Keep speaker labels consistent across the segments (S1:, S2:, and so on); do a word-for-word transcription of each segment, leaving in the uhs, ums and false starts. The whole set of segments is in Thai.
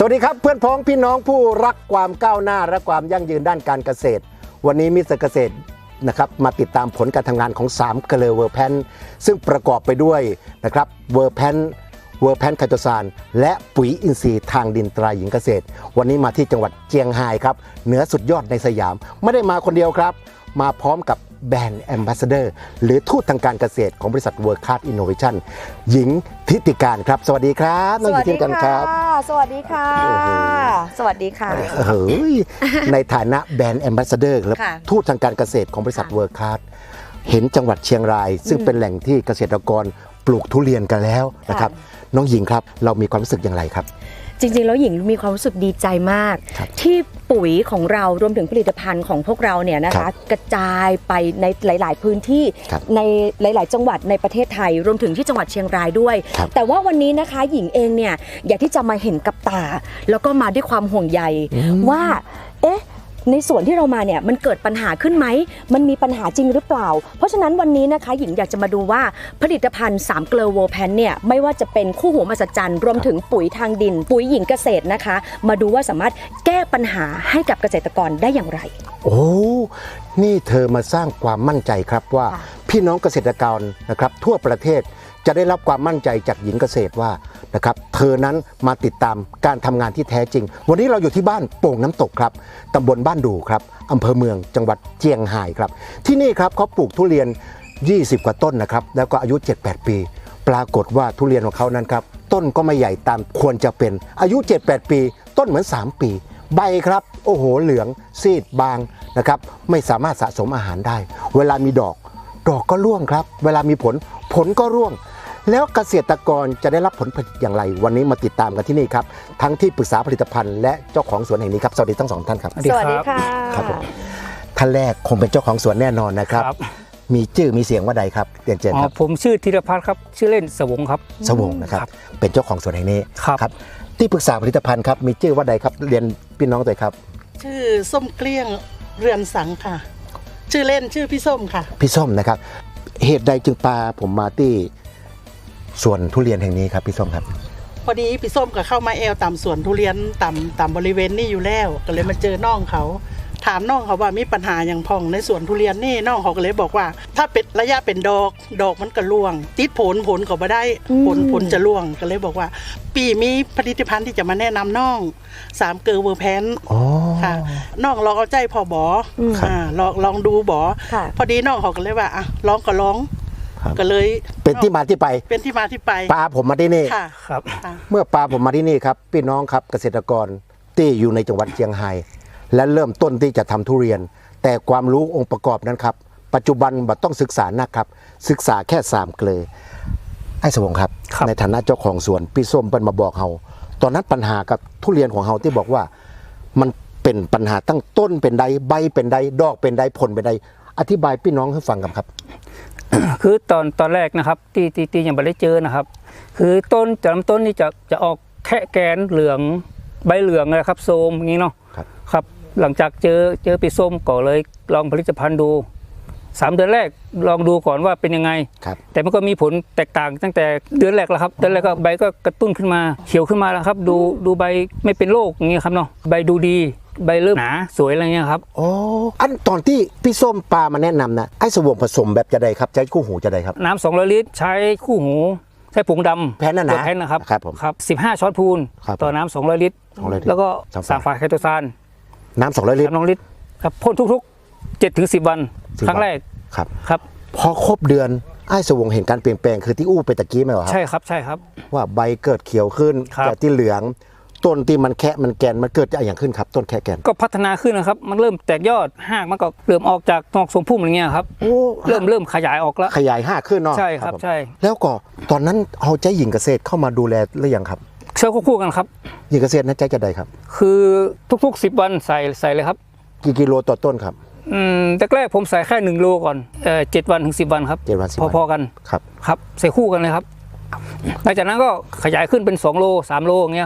S1: สวัสดีครับเพื่อนพ้องพี่น้องผู้รักความก้าวหน้าและความยั่งยืนด้านการเกษตรวันนี้มิสเตอร์เกษตรนะครับมาติดตามผลการทำงานของสามเกลือเวอร์แพนซึ่งประกอบไปด้วยนะครับเวอร์แพนเวอร์แพนไคโตซานและปุ๋ยอินทรีย์ทางดินตราหญิงเกษตรวันนี้มาที่จังหวัดเจียงไฮ้ครับเหนือสุดยอดในสยามไม่ได้มาคนเดียวครับมาพร้อมกับแบรนด์แอมบาสเดอร์หรือทูตทางการเกษตรของบริษัทเวิร์คคลาสอินโนเวชั่นหญิงทิติการครับสวัสดีครับน้องหญิงทิติการครับ
S2: สวัสดีค่ะสวัสดีค่ะ
S1: เฮ้ยในฐานะแบรนด์แอมบาสเดอร์และทูตทางการเกษตรของบริษัทเวิร์คคลาสเห็นจังหวัดเชียงรายซึ่งเป็นแหล่งที่เกษตรกรปลูกทุเรียนกันแล้วนะครับน้องหญิงครับเรามีความรู้สึกอย่างไรครับ
S2: จริงๆแล้วหญิงมีความรู้สึกดีใจมากที่ปุ๋ยของเรารวมถึงผลิตภัณฑ์ของพวกเราเนี่ยนะคะกระจายไปในหลายๆพื้นที่ในหลายๆจังหวัดในประเทศไทยรวมถึงที่จังหวัดเชียงรายด้วยแต่ว่าวันนี้นะคะหญิงเองเนี่ยอยากที่จะมาเห็นกับตาแล้วก็มาด้วยความห่วงใยว่าเอ๊ะในส่วนที่เรามาเนี่ยมันเกิดปัญหาขึ้นไหมมันมีปัญหาจริงหรือเปล่าเพราะฉะนั้นวันนี้นะคะหญิงอยากจะมาดูว่าผลิตภัณฑ์สามเกลอโวแพนเนี่ยไม่ว่าจะเป็นคู่หูมหัศจรรย์รวมถึงปุ๋ยทางดินปุ๋ยหญิงเกษตรนะคะมาดูว่าสามารถแก้ปัญหาให้กับเกษตรกรได้อย่างไร
S1: โอ้นี่เธอมาสร้างความมั่นใจครับว่าพี่น้องเกษตรกรนะครับทั่วประเทศจะได้รับความมั่นใจจากหญิงเกษตรว่านะครับเธอนั้นมาติดตามการทำงานที่แท้จริงวันนี้เราอยู่ที่บ้านโป่งน้ำตกครับตำบลบ้านดูครับอำเภอเมืองจังหวัดเจียงไฮ้ครับที่นี่ครับเขาปลูกทุเรียนยี่สิบกว่าต้นนะครับแล้วก็อายุ เจ็ดแปด ปีปรากฏว่าทุเรียนของเขานั้นครับต้นก็ไม่ใหญ่ตามควรจะเป็นอายุ เจ็ดแปด ปีต้นเหมือนสามปีใบครับโอ้โหเหลืองซีดบางนะครับไม่สามารถสะสมอาหารได้เวลามีดอกดอกก็ร่วงครับเวลามีผลผลก็ร่วงแล้วเกษตรกรจะได้รับผลผลิตอย่างไรวันนี้มาติดตามกันที่นี่ครับทั้งที่ปรึกษาผลิตภัณฑ์และเจ้าของสวนแห่งนี้ครับสวัสดีทั้งสองท่านครับ
S2: สวัสดีค่ะ
S1: ครับผมท่านแรกคงเป็นเจ้าของสวนแน่นอนนะครับมีชื่อมีเสียงว่าใดครับเรียนเชิญครับ
S3: ผมชื่อธีรพัฒน์ครับชื่อเล่นสวงครับ
S1: สวงนะครับเป็นเจ้าของสวนแห่งนี้ครับที่ปรึกษาผลิตภัณฑ์ครับมีชื่อว่าใดครับเรียนพี่น้องตัวครับ
S4: ชื่อส้มเกลี้ยงเรือนสังค่ะชื่อเล่นชื่อพี่ส้มค่ะ
S1: พี่ส้มนะครับเหตุใดจึงพาผมมาที่สวนทุเรียนแห่งนี้ครับพี่ส้มครับ
S4: พอดีพี่ส้มก็เข้ามาแอลตามสวนทุเรียนตามตามบริเวณนี้อยู่แล้วก็เลยมาเจอน้องเขาถามน้องเขาว่ามีปัญหาอย่างพองในสวนทุเรียนนี่น้องเขาก็เลยบอกว่าถ้าเป็นระยะเป็นดอกดอกมันก็ร่วงติดผลผลก็ไม่ได้ผลผลจะร่วงก็เลยบอกว่าปีมีผลิตภัณฑ์ที่จะมาแนะนำน้องสามเกลอเวอร์แพนค่ะน้องลองเอาใจพอบออ่าลองลองดูบอพอดีน้องเขาก็เลยว่าอ่ะลองก็ลองก็เลย
S1: เป็นที่มาที่ไป
S4: เป็นที่มาที่ไป
S1: ปลาผมมาที่นี่
S3: ครับ
S1: เมื่อปลาผมมาที่นี่ครับพี่น้องครับเกษตรกรที่อยู่ในจังหวัดเชียงไฮ้และเริ่มต้นที่จะทำทุเรียนแต่ความรู้องค์ประกอบนั้นครับปัจจุบันบัดต้องศึกษานะครับศึกษาแค่สามเกลอไอ้สวงครับในฐานะเจ้าของสวนพี่ส้มเปิ้ลมาบอกเฮาตอนนั้นปัญหากับทุเรียนของเฮาที่บอกว่ามันเป็นปัญหาตั้งต้นเป็นใดใบเป็นใดดอกเป็นใดผลเป็นใดอธิบายพี่น้องให้ฟังกันครับ
S3: คือตอนตอนแรกนะครับที่ที่ที่ยังไม่ได้เจอนะครับคือต้นจะลำต้นนี่จะจะออกแค่แกนเหลืองใบเหลืองนะครับโซมอย่างนี้เนาะครับหลังจากเจอเจอปีส้มก็เลยลองผลิตภัณฑ์ดูสามเดือนแรกลองดูก่อนว่าเป็นยังไงแต่มันก็มีผลแตกต่างตั้งแต่เดือนแรกแล้วครับเดือนแรกก็ใบก็กระตุ้นขึ้นมาเขียวขึ้นมาแล้วครับดูดูใบไม่เป็นโรคอย่างเงี้ยครับเนาะใบดูดีใบเริ่มหนาสวยอะไรเงี้ยครับ
S1: อ๋ออันตอนที่พี่ส้มปลามาแนะนำนะไอ้สวงผสมแบบจะใดครับใช้คู่หูจะใดครับ
S3: น้ำสองร้อยลิตรใช้คู่หูใช้ผงดำ
S1: แผ่นนั่นนะ
S3: แผ่นนะครับ
S1: ครับผม
S3: ครับสิบห้าช้อนพูนต่อน้ำสองร้อยลิตรแล้วก็สามฝาไคโตซาน
S1: น้ำสองร้อยลิตร
S3: น้ำลิตรครับพ่นทุกๆเจ็ดถึงสิบวันครั้งแรก
S1: ครับ
S3: ครับ
S1: พอครบเดือนไอ้สวงเห็นการเปลี่ยนแปลงคือที่อู้ไปตะกี้ไหมครับ
S3: ใช่ครับใช่ครับ
S1: ว่าใบเกิดเขียวขึ้นจากที่เหลืองต้นที่มันแค่มันแกนมันเกิดอะไรอย่างขึ้นครับต้นแค่แกน
S3: ก็พัฒนาขึ้นนะครับมันเริ่มแตกยอดหากมันก็เริ่มออกจากนอกทรงพุ่มอะไรเงี้ยครับเริ่มเริ่มขยายออกแล้ว
S1: ขยายห้าขึ้นเนาะ
S3: ใช่ครับใช่
S1: แล้วก็ตอนนั้นเอาใจหญิงเกษตรเข้ามาดูแลหรือยังครับ
S3: เชื่อคู่กันครับ
S1: หญิงเกษตรนั้นใจจะใดครับ
S3: คือทุกๆสิบวันใส่ใส่เลยครับ
S1: กี่กิโลต่อต้นครับ
S3: อืมแต่แรกผมใส่แค่หนึ่งโลก่อนเอ่อเจ็ดวันถึงสิบวันครับ
S1: เจ็ดวันสิบ
S3: พอๆกัน
S1: ครับ
S3: ครับใส่คู่กันเลยครับหลังจากนั้นก็ขยายขึ้นเป็นสองโลสามโลอย่างเงี้ยครับ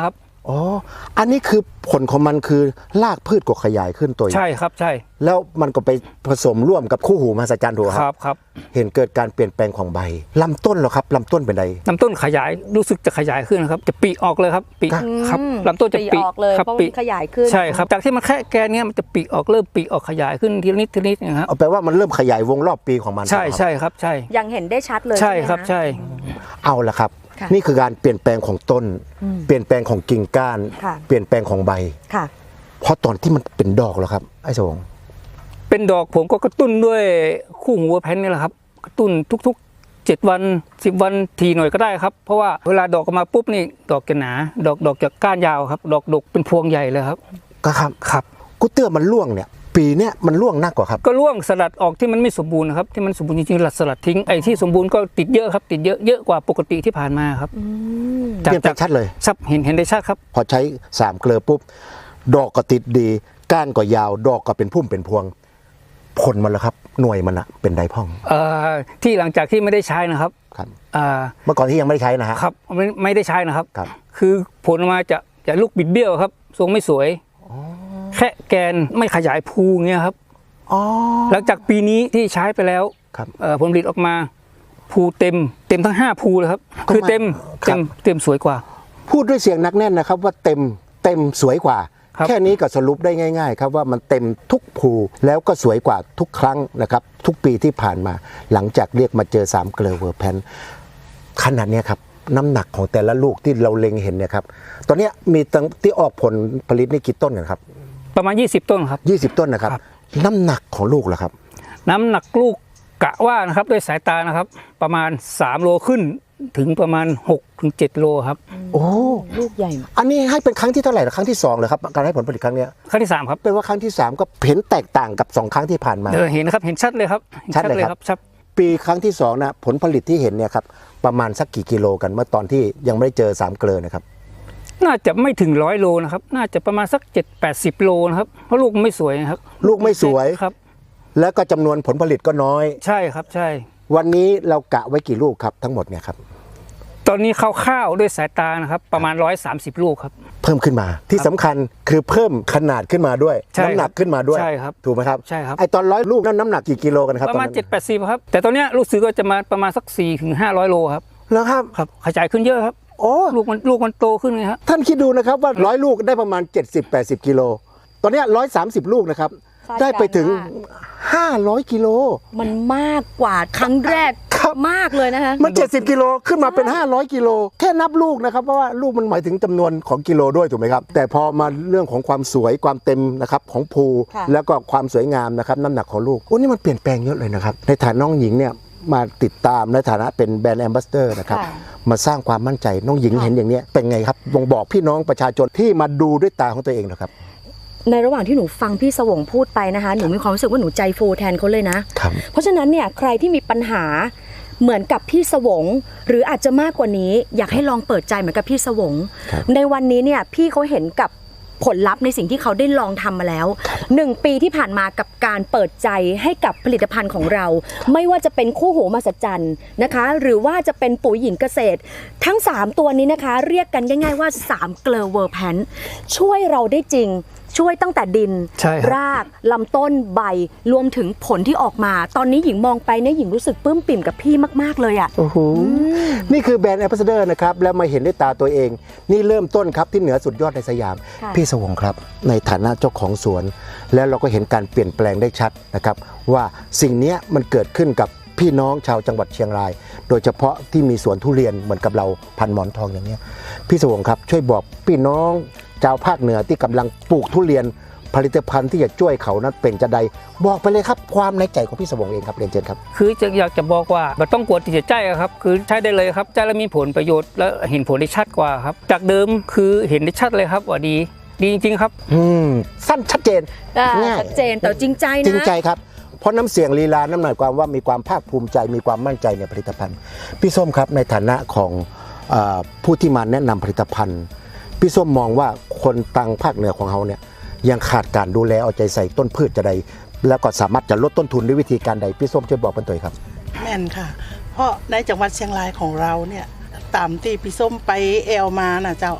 S1: อ๋ออันนี้คือผลของมันคือรากพืชก็ขยายขึ้นตัว
S3: ใช่ครับใช่
S1: แล้วมันก็ไปผสมร่วมกับคู่หูมหัศจรรย์ถูกไหม
S3: ค
S1: ค
S3: รั
S1: รั
S3: บบ ครับ
S1: เห็นเกิดการเปลี่ยนแปลงของใบลำต้นเหรอครับลำต้นเป็นไง
S3: ลำต้นขยายรู้สึกจะขยายขึ้นนะครับจะปีออกเลยครับปี
S1: ครับ
S3: ครับลำต้นจะ
S2: ปี
S3: ปี
S2: ออกเลย
S3: ครับ
S2: เพราะ
S3: ปี
S2: มันขยายขึ้น
S3: ใช่ครับจากที่มันแค่แกนเนี้ยมันจะปีออกเริ่มปีออกขยายขึ้นทีละนิดทีละนิดนะครับ
S1: เอาแปลว่ามันเริ่มขยายวงรอบปีของมัน
S3: ใช่
S1: ถูกไหมครับ
S3: ใช่ครับใช่
S2: ยังเห็นได้ชัดเลย
S3: ใช่
S2: ไหมะ
S3: ครับใช่
S1: เอาละครับ
S2: ค่ะ
S1: นี่คือการเปลี่ยนแปลงของต้น เปลี่ยนแปลงของกิ่งก้าน
S2: ค่ะ
S1: เปลี่ยนแปลงของใบ
S2: ค่ะ
S1: เพราะตอนที่มันเป็นดอกแล้วครับไอ้สง
S3: เป็นดอกผมก็กระตุ้นด้วยคู่หูแพนนี่แหละครับกระตุ้นทุกๆเจ็ดวันสิบวันทีหน่อยก็ได้ครับเพราะว่าเวลาดอกออกมาปุ๊บนี่ดอกจะหนาดอกดอกจะก้านยาวครับดอกดกเป็นพวงใหญ่เลยครับ
S1: ก็ครับ
S3: ครับ
S1: กูเตื้อมันร่วงเนี่ย ปีเนี้ยมันร่วงหนักกว่าครับ
S3: ก็ร่วงสลัดออกที่มันไม่สมบูรณ์นะครับที่มันสมบูรณ์จริงๆหลัดสลัดทิ้งไอ้ที่สมบูรณ์ก็ติดเยอะครับติดเยอะเยอะกว่าปกติที่ผ่านมาครับ
S1: เปลี่ยนแปลงชัดเลย
S3: ชัดเห็นเห็นได้ชัดครับ
S1: พอใช้สามเกลือปุ๊บดอกก็ติดดีก้านก็ยาว ดอกก็เป็นพุ่มเป็นพวง ผลมันแล้วครับ หน่วยมันอะเป็นไดพ่อง
S3: เอ่อที่หลังจากที่ไม่ได้ใช้นะครับ
S1: ครับ
S3: อ่า
S1: เมื่อก่อนที่ยังไม่ได้ใช้นะฮะ
S3: ครับไม่ไม่ได้ใช้นะครับ
S1: ครับ
S3: คือผลออกมาจะจะลูกบิดเบี้ยวครับทรงไม่สวยแค่แกนไม่ขยายภูเงี้ยครับ
S1: อ๋อ
S3: หลังจากปีนี้ที่ใช้ไปแล้ว
S1: ครับ
S3: เอ่อผลผลิตออกมาภูเต็มเต็มทั้งห้าภูเลยครับ
S1: ก็
S3: คือเต็ม
S1: ครั
S3: เต็
S1: บ
S3: มเต็มสวยกว่า
S1: พูดด้วยเสียงหนักแน่นนะครับ ว่าเต็มเต็มสวยกว่า
S3: ครับ
S1: แค่นี้ก็สรุปได้ง่าย ๆ ครับว่ามันเต็มทุกภูแล้วก็สวยกว่าทุกครั้งนะครับ ทุกปีที่ผ่านมา หลังจากเรียกมาเจอสามเกลือเวอร์แพนขนาดเนี้ยครับน้ำหนักของแต่ละลูกที่เราเล็งเห็นเนี่ยครับตอนเนี้ยมีตั้งที่ออกผลผลิตนี่กี่ต้นกันครับ
S3: ประมาณยี่สิบต้นครับ
S1: ยี่สิบต้นนะครับ
S3: ครับ
S1: น้ำหนักของลูกล่ะครับ
S3: น้ำหนักลูกกะว่านะครับด้วยสายตานะครับ ประมาณสามโลขึ้นถึงประมาณหกถึงเจ็ดโลครับ
S1: โอ้
S2: ลูกใหญ่
S1: อันนี้ให้เป็นครั้งที่เท่าไหร่นะครั้งที่สองเลยครับการให้ผลผลิตครั้งเนี้ย
S3: ครั้งที่สามครับ
S1: เป็นว่าครั้งที่สามก็เห็นแตกต่างกับสองครั้งที่ผ่านมา
S3: เออเห็นนะครับเห็นชัดเลยครับห็น
S1: ชัดเลยครับ
S3: ชัด
S1: ปีครั้งที่สองนะผลผลิตที่เห็นเนี่ยครับประมาณสักกี่กิโลกันเมื่อตอนที่ยังไม่ได้เจอสามเกลือนะครับ
S3: น่าจะไม่ถึงร้อยโลนะครับน่าจะประมาณสักเจ็ดแปดสิบโลนะครับเพราะลูกมันไม่สวยนะครับ
S1: ลูกไม่สวย
S3: ครับ
S1: แล้วก็จำนวนผลผลิตก็น้อย
S3: ใช่ครับใช่
S1: วันนี้เรากะไว้กี่ลูกครับทั้งหมดเนี่ยครับ
S3: ตอนนี้คร่าวๆด้วยสายตานะครับประมาณร้อยสามสิบลูกครับ
S1: เพิ่มขึ้นมาที่สำคัญคือเพิ่มขนาดขึ้นมาด้วย
S3: ใช่ครับ
S1: น้ำหนักขึ้นมาด้วย
S3: ใช่ครับ
S1: ถูกไหมครับ
S3: ใช่ครับ
S1: ไอตอนร้อยลูกนั้นน้ำหนักกี่กิโลกันครับ
S3: ประมาณ
S1: ตอน
S3: เจ็
S1: นั้
S3: ด
S1: น
S3: แปดสิบครับแต่ตอนเนี้ยลูกซื้อก็จะมาประมาณสักสี่ถึงห้าร้อยโลครับ
S1: แล้วครับ
S3: ครับขยายขึ้นเยอะครับ
S1: โอ้
S3: ลูกมันลูกมันโตขึ้นไงครับ
S1: ท่านคิดดูนะครับว่าร้อยลูกได้ประมาณ เจ็ดสิบแปดสิบกิโลตอนเนี้ร้อยสามสิบลูกนะครับ
S2: คาดการณ์
S1: ได้ไปถึง
S2: ว่า
S1: ห้าร้อยกิโล
S2: มันมากกว่าครั้งแรก
S1: ครับ
S2: มากเลยนะคะ
S1: มัน เจ็ดสิบกิโลขึ้นมาเป็น ห้าร้อยกิโลแค่นับลูกนะครับเพราะว่าลูกมันหมายถึงจำนวนของกิโลด้วยถูกไหมครับแต่พอมาเรื่องของความสวยความเต็มนะครับของภู
S2: ค่ะ
S1: แล้วก็ความสวยงามนะครับน้ำหนักของลูกโอ้นี่มันเปลี่ยนแปลงเยอะเลยนะครับในฐานะน้องหญิงเนี่ยมาติดตามในฐานะเป็นแบรนด์แอมบาสเดอร์นะครับ
S2: ค่ะ
S1: มาสร้างความมั่นใจน้องหญิง
S2: ค่ะ
S1: เห็นอย่างเนี้ยเป็นไงครับบ่งบอกพี่น้องประชาชนที่มาดูด้วยตาของตัวเองนะครับ
S2: ในระหว่างที่หนูฟังพี่สวงพูดไปนะคะหนูมีความรู้สึกว่าหนูใจฟูแทนเขาเลยนะ
S1: ครับ
S2: เพราะฉะนั้นเนี่ยใครที่มีปัญหาเหมือนกับพี่สวง หรืออาจจะมากกว่านี้ อยากให้ลองเปิดใจเหมือนกับพี่สวง
S1: ครับ
S2: ในวันนี้เนี่ยพี่เขาเห็นกับผลลัพธ์ในสิ่งที่เขาได้ลองทำมาแล้วหนึ่งปีที่ผ่านมากับการเปิดใจให้กับผลิตภัณฑ์ของเรา ไม่ว่าจะเป็นคู่หูมหัศจรรย์นะคะ หรือว่าจะเป็นปุ๋ยหญิงเกษตร ทั้งสามตัวนี้นะคะ เรียกกันง่ายๆว่าสามเกลอเวอร์แพนช่วยเราได้จริง ช่วยตั้งแต่ดิน
S3: ใช่ครับ
S2: รากลำต้นใบรวมถึงผลที่ออกมา ตอนนี้หญิงมองไปเนี่ยหญิงรู้สึกปลื้มปิ่มกับพี่มากๆเลยอ่ะ
S1: โอ้โหนี่คือแบรนด์แอมบาสเดอร์นะครับแล้วมาเห็นด้วยตาตัวเอง นี่เริ่มต้นครับที่เหนือสุดยอดในสยาม
S2: ค่ะ
S1: พี่สวงครับ ในฐานะเจ้าของสวน แล้วเราก็เห็นการเปลี่ยนแปลงได้ชัดนะครับว่าสิ่งเนี้ยมันเกิดขึ้นกับพี่น้องชาวจังหวัดเชียงราย โดยเฉพาะที่มีสวนทุเรียนเหมือนกับเราพันหมอนทองอย่างเนี้ยพี่สวงครับช่วยบอกพี่น้องชาวภาคเหนือที่กำลังปลูกทุเรียนผลิตภัณฑ์ที่จะช่วยเขานั้นเป็นจะใดบอกไปเลยครับความในใจของพี่สวงเองครับเรียนเชิญครับ
S3: คือจะอยากจะบอกว่าไม่ต้องกลัวที่จะใจอะครับคือใช้ได้เลยครับใช้แล้วมีผลประโยชน์และเห็นผลได้ชัดกว่าครับจากเดิมคือเห็นได้ชัดเลยครับว่าดีดีจริงๆครับ
S1: อืมสั้นชัดเจน
S2: อ่า
S1: ง่าย
S2: ชัดเจนแต่จริงใจนะ
S1: จริงใจครับเพราะน้ำเสียงลีลาน้ำหมายความว่ามีความภาคภูมิใจมีความมั่นใจในผลิตภัณฑ์พี่ส้มครับในฐานะของเออผู้ที่มาแนะนำผลิตภัณฑ์พี่ส้มมองว่าคนตังภาคเหนือของเขาเนี่ยยังขาดการดูแลเอาใจใส่ต้นพืชจะใดแล้วก็สามารถจะลดต้นทุนด้วยวิธีการใดพี่ส้มช่วยบอกเป็นตัวครับ
S4: แม่นค่ะ เพราะในจังหวัดเชียงรายของเราเนี่ยตามที่พี่ส้มไปแอลมานะเจ้า
S1: ครับ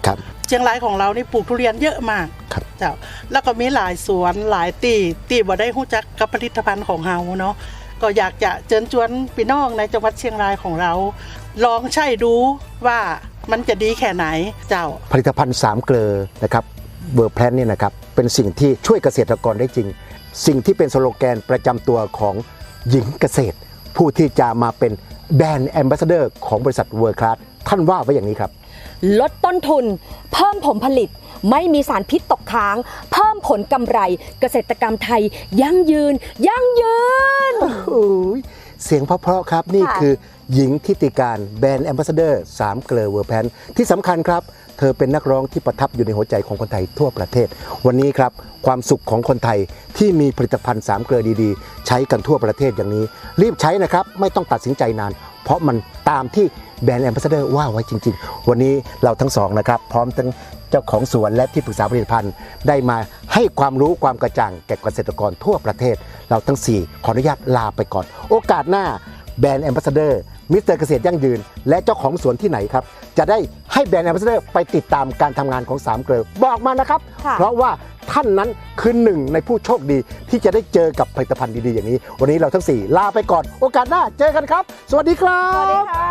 S4: เชียงรายของเรานี่ปลูกทุเรียนเยอะมาก
S1: ครับ
S4: เจ้าแล้วก็มีหลายสวนหลายตีตีบ่ได้รู้จักกับผลิตภัณฑ์ของเฮาเนาะก็อยากจะเชิญชวนพี่น้องในจังหวัดเชียงรายของเรา ลองใช้ดูว่ามันจะดีแค่ไหนเจ้า
S1: ผลิตภัณฑ์สามเกลอนะครับเวอร์แพลนเนี่ยนะครับเป็นสิ่งที่ช่วยเกษตรกรได้จริง สิ่งที่เป็นสโลแกนประจำตัวของหญิงเกษตร ผู้ที่จะมาเป็นแบรนด์แอมบาสเดอร์ของบริษัทเวิร์คลาสท่านว่าไว้อย่างนี้ครับ
S2: ลดต้นทุน เพิ่มผลผลิต ไม่มีสารพิษตกค้าง เพิ่มผลกำไร เกษตรกรรมไทย ยั่งยืน ยั่งยืน
S1: โอ้ยเสียงเพราะๆครับนี่
S2: ค่ะ
S1: คือหญิงทิติการแบรนด์แอมบาสเดอร์สามเกลอเวอร์แพนที่สำคัญครับ เธอเป็นนักร้องที่ประทับอยู่ในหัวใจของคนไทยทั่วประเทศ วันนี้ครับความสุขของคนไทยที่มีผลิตภัณฑ์สามเกลอดีๆ ใช้กันทั่วประเทศอย่างนี้ รีบใช้นะครับไม่ต้องตัดสินใจนาน เพราะมันตามที่แบรนด์แอมบาสเดอร์ว่าไว้จริงๆ วันนี้เราทั้งสองนะครับพร้อมทั้งเจ้าของสวนและที่ปรึกษาผลิตภัณฑ์ได้มาให้ความรู้ความกระจ่างแก่เกษตรกรทั่วประเทศ เราทั้งสี่ขออนุญาตลาไปก่อน โอกาสหน้าแบรนด์แอมบาสเดอร์มิสเตอร์เกษตรยั่งยืนและเจ้าของสวนที่ไหนครับจะได้ให้แบรนด์แอมบาสเดอร์ไปติดตามการทำงานของสามเกลอบอกมานะครับ
S2: ค่ะ
S1: เพราะว่าท่านนั้นคือหนึ่งในผู้โชคดีที่จะได้เจอกับผลิตภัณฑ์ดีๆอย่างนี้ วันนี้เราทั้งสี่ลาไปก่อนโอกาสหน้าเจอกันครับ สวัสดีครับ
S2: สวัสดีค่ะ